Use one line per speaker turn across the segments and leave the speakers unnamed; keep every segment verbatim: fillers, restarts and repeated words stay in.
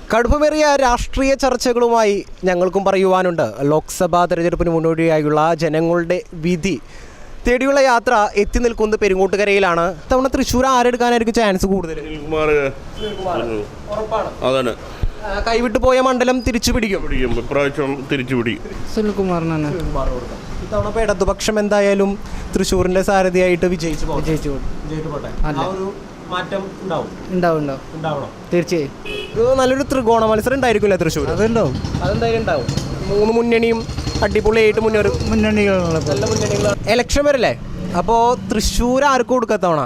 കടുപ്പമേറിയ രാഷ്ട്രീയ ചർച്ചകളുമായി ഞങ്ങൾക്കും പറയുവാനുണ്ട്. ലോക്സഭാ തെരഞ്ഞെടുപ്പിന് മുന്നോടിയായുള്ള ജനങ്ങളുടെ വിധി തേടിയുള്ള യാത്ര എത്തി നിൽക്കുന്നത് പെരുങ്ങോട്ടുകരയിലാണ്. തവണ തൃശ്ശൂർ ആരെടുക്കാനായിരിക്കും ചാൻസ് കൂടുതൽ? കൈവിട്ടു പോയ മണ്ഡലം തിരിച്ചു പിടിക്കും.
ഇപ്രാവശ്യം തിരിച്ചു പിടിക്കും.
സുനിൽകുമാറിനാണ് ഇത്തവണ. ഇപ്പോൾ ഇടതുപക്ഷം എന്തായാലും തൃശ്ശൂരിന്റെ സാരഥിയായിട്ട് വിജയിച്ചു വിജയിച്ചു മാറ്റം ഉണ്ടാവും ഉണ്ടാവും ഉണ്ടാവണം തീർച്ചയായും. ഇത് നല്ലൊരു ത്രികോണ മത്സരം ഉണ്ടായിരിക്കില്ല തൃശ്ശൂർ? അതുണ്ടാവും, അതെന്തായാലും ഉണ്ടാവും. മൂന്ന് മുന്നണിയും അടിപൊളിയായിട്ട് മുന്നേറും. മുന്നണികളാണ് നല്ല മുന്നണികളാണ്. ഇലക്ഷൻ വരല്ലേ, അപ്പോൾ തൃശ്ശൂർ ആർക്ക് കൊടുക്കാം തവണ?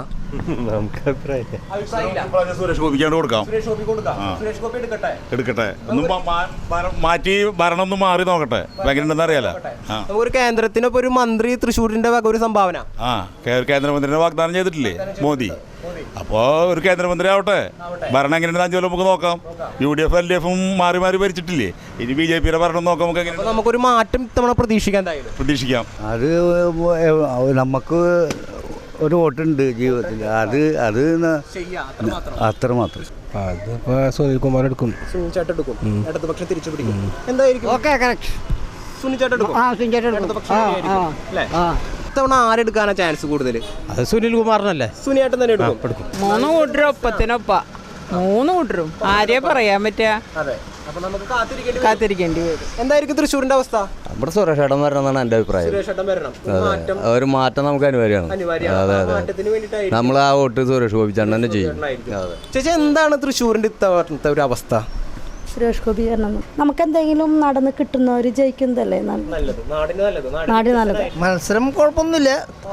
സുരേഷ് ഗോപിക്കാണ്ട് കൊടുക്കാം. എടുക്കട്ടെ, ഒന്നും മാറ്റി ഭരണം ഒന്ന് മാറി നോക്കട്ടെ, എങ്ങനെയുണ്ടെന്ന് അറിയാലോ.
ഒരു കേന്ദ്രത്തിനൊപ്പം ഒരു മന്ത്രി തൃശ്ശൂരിന്റെ വക ഒരു സംഭാവന.
ആ കേന്ദ്രമന്ത്രിനെ വാഗ്ദാനം ചെയ്തിട്ടില്ലേ മോദി? അപ്പോ ഒരു കേന്ദ്രമന്ത്രി ആവട്ടെ, ഭരണം എങ്ങനെയാണ് അഞ്ചു കൊല്ലം നമുക്ക് നോക്കാം. U D F L D എഫും മാറി മാറി ഭരിച്ചിട്ടില്ലേ, ഇനി ബി ജെ പിയുടെ ഭരണം നോക്കാം. നമുക്ക് എങ്ങനെ
നമുക്കൊരു മാറ്റം തവണ പ്രതീക്ഷിക്കാൻ
പ്രതീക്ഷിക്കാം.
അത് നമുക്ക് ഒരു വോട്ടുണ്ട് ജീവിതത്തിൽ, അത് അത് അത്രമാത്രം.
അതിപ്പോ സുനിൽകുമാർ എടുക്കും.
ഇടതുപക്ഷം തിരിച്ചു പിടിക്കും. എന്തായിരിക്കും ഇത്തവണ ആരെടുക്കാനാ ചാൻസ് കൂടുതൽ?
അത് സുനിൽകുമാറിനല്ലേ.
സുനിയേട്ടൻ തന്നെ എടുക്കും.
മൂന്ന് കൂട്ടരും ഒപ്പത്തിനൊപ്പ മൂന്ന് കൂട്ടരും ആരെയാ പറയാൻ പറ്റുക? കാത്തിരിക്കേണ്ടി വരും.
എന്തായിരിക്കും തൃശ്ശൂരിന്റെ അവസ്ഥ?
നമ്മുടെ സുരേഷ് ഏട്ടൻ വരണമെന്നാണ് എൻ്റെ അഭിപ്രായം. ഒരു മാറ്റം നമുക്ക് അനിവാര്യമാണ്. അതെ അതെ, നമ്മൾ ആ വോട്ട് സുരേഷ് ഗോപി ചേട്ടൻ തന്നെ ചെയ്യും.
ചേച്ചി, എന്താണ് തൃശ്ശൂരിന്റെ ഇത്തവണത്തെ ഒരു അവസ്ഥ?
സുരേഷ് ഗോപി വരണം. നമുക്ക് എന്തെങ്കിലും നടന്ന് കിട്ടുന്നവർ ജയിക്കുന്നതല്ലേ നല്ലത്, നാടിന് നല്ലത്.
മത്സരം കുഴപ്പമൊന്നുമില്ല.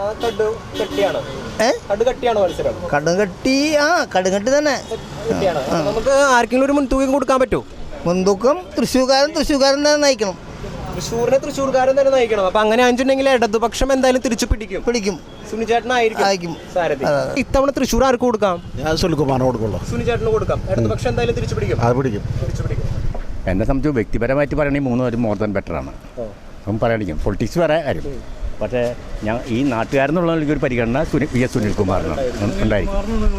കടുകട്ടി
ആ കടുകട്ടി തന്നെ.
നമുക്ക് ആർക്കെങ്കിലും ഒരു മുൻതൂക്കം കൊടുക്കാൻ പറ്റുമോ?
മുൻതൂക്കം തൃശ്ശൂർക്കാരൻ തൃശ്ശൂർക്കാരൻ തന്നെ നയിക്കണം.
തൃശ്ശൂരിനെ തൃശ്ശൂർക്കാരൻ തന്നെ നയിക്കണം. അപ്പൊ അങ്ങനെ ആണെന്നുണ്ടെങ്കിൽ ഇടതുപക്ഷം എന്തായാലും തിരിച്ചു പിടിക്കും പിടിക്കും സുനിചേട്ടനായിരിക്കും സാരഥി. ഇത്തവണ തൃശ്ശൂർ ആർക്ക് കൊടുക്കാം?
ഞാൻ സുനിൽകുമാറിന് കൊടുക്കുള്ളൂ.
സുനിചേട്ടന് കൊടുക്കാം. ഇടതുപക്ഷം എന്തായാലും തിരിച്ചു പിടിക്കും.
അത് പിടിക്കും.
എന്നെ സംബന്ധിച്ച് വ്യക്തിപരമായിട്ട് പറയണമെങ്കിൽ മൂന്ന് പേരും മോർ ദാൻ ബെറ്ററാണ്. അപ്പം പറയണിക്കും പൊളിറ്റിക്സ് വേറെ കാര്യം. പക്ഷേ ഞാൻ ഈ നാട്ടുകാരെന്നുള്ള ഒരു പരിഗണന സുനി വി എസ് സുനിൽകുമാറിനാണ് ഉണ്ടായിരിക്കും.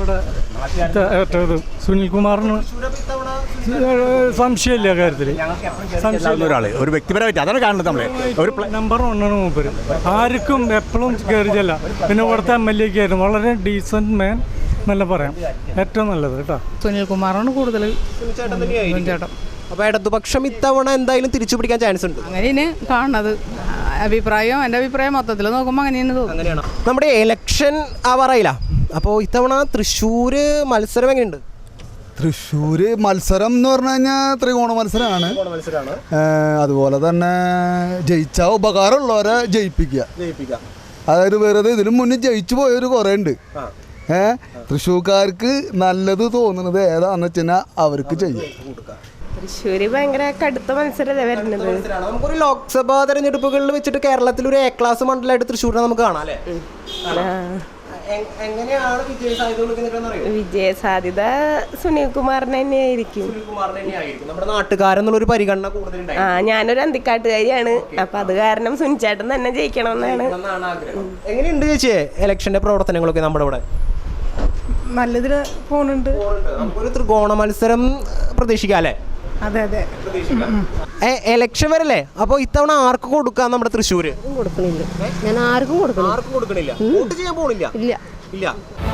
സുനിൽകുമാറിന് സംശയമില്ല കാര്യത്തിൽ.
ഒരാൾ ഒരു വ്യക്തിപരമായിട്ട് അതാണ് കാണുന്നത്. നമ്മൾ ഒരു
നമ്പർ ഒന്നാണ് മൂപ്പര്. ആർക്കും എപ്പോഴും കയറിയല്ല. പിന്നെ ഇവിടുത്തെ എം എൽ എക്ക് ആയിരുന്നു വളരെ ഡീസൻറ്റ് മാൻ നല്ല പറയാം. ഏറ്റവും നല്ലത് കേട്ടോ
സുനിൽകുമാറാണ് കൂടുതൽ.
അപ്പോൾ ഇടതുപക്ഷം ഇത്തവണ എന്തായാലും തിരിച്ചു പിടിക്കാൻ ചാൻസ് ഉണ്ട്.
അങ്ങനെയാണ് കാണുന്നത്. അഭിപ്രായം എൻ്റെ അഭിപ്രായം മൊത്തത്തിൽ നോക്കുമ്പോൾ അങ്ങനെയാണ് തോന്നുന്നത്.
നമ്മുടെ എലക്ഷൻ ആവാറായില്ല. അപ്പോൾ ഇത്തവണ തൃശ്ശൂർ മത്സരം എങ്ങനെയുണ്ട്?
തൃശ്ശൂർ മത്സരം എന്ന് പറഞ്ഞു കഴിഞ്ഞാൽ ത്രികോണ മത്സരമാണ്. അതുപോലെ തന്നെ ജയിച്ചാൽ ഉപകാരമുള്ളവരെ ജയിപ്പിക്കുക. അതായത് വെറുതെ ഇതിനു മുന്നേ ജയിച്ചു പോയവർ കുറേ ഉണ്ട്. ഏഹ് തൃശ്ശൂർക്കാർക്ക് നല്ലത് തോന്നുന്നത് ഏതാണെന്ന് വെച്ച് കഴിഞ്ഞാൽ അവർക്ക് ചെയ്യും.
തൃശ്ശൂര് ഭയങ്കര കടുത്ത മത്സരമല്ലേ വരുന്നത്.
നമുക്കൊരു ലോക്സഭാ തെരഞ്ഞെടുപ്പുകളിൽ വെച്ചിട്ട് കേരളത്തിൽ ഒരു എ ക്ലാസ് മണ്ഡലമായിട്ട് തൃശ്ശൂരിനെ നമുക്ക് കാണാം അല്ലേ? എങ്ങനെയാണ്
വിജയ സാധ്യത? സുനിൽകുമാറിന് തന്നെയായിരിക്കും.
നമ്മുടെ നാട്ടുകാരെന്നുള്ളൊരു പരിഗണന കൂടുതൽ.
ആ ഞാനൊരു അന്തിക്കാട്ടുകാരിയാണ്. അപ്പൊ അത് കാരണം സുനിച്ചേട്ടൻ തന്നെ ജയിക്കണമെന്നാണ്
ആഗ്രഹം. എങ്ങനെയുണ്ട് ചേച്ചിയെ ഇലക്ഷന്റെ പ്രവർത്തനങ്ങളൊക്കെ നമ്മുടെ ഇവിടെ?
നല്ലതിൽ പോകുന്നുണ്ട്.
നമുക്കൊരു ത്രികോണ മത്സരം പ്രതീക്ഷിക്കാം അല്ലേ?
അതെ അതെ,
എലക്ഷൻ വരല്ലേ, അപ്പോൾ ഇത്തവണ ആർക്ക് കൊടുക്കാം നമ്മുടെ തൃശ്ശൂര്?
കൊടുക്കണില്ല. ഞാൻ ആർക്കും കൊടുക്കണം.
ആർക്കും കൊടുക്കണില്ല. വോട്ട് ചെയ്യാൻ പോണില്ല.
ഇല്ല
ഇല്ല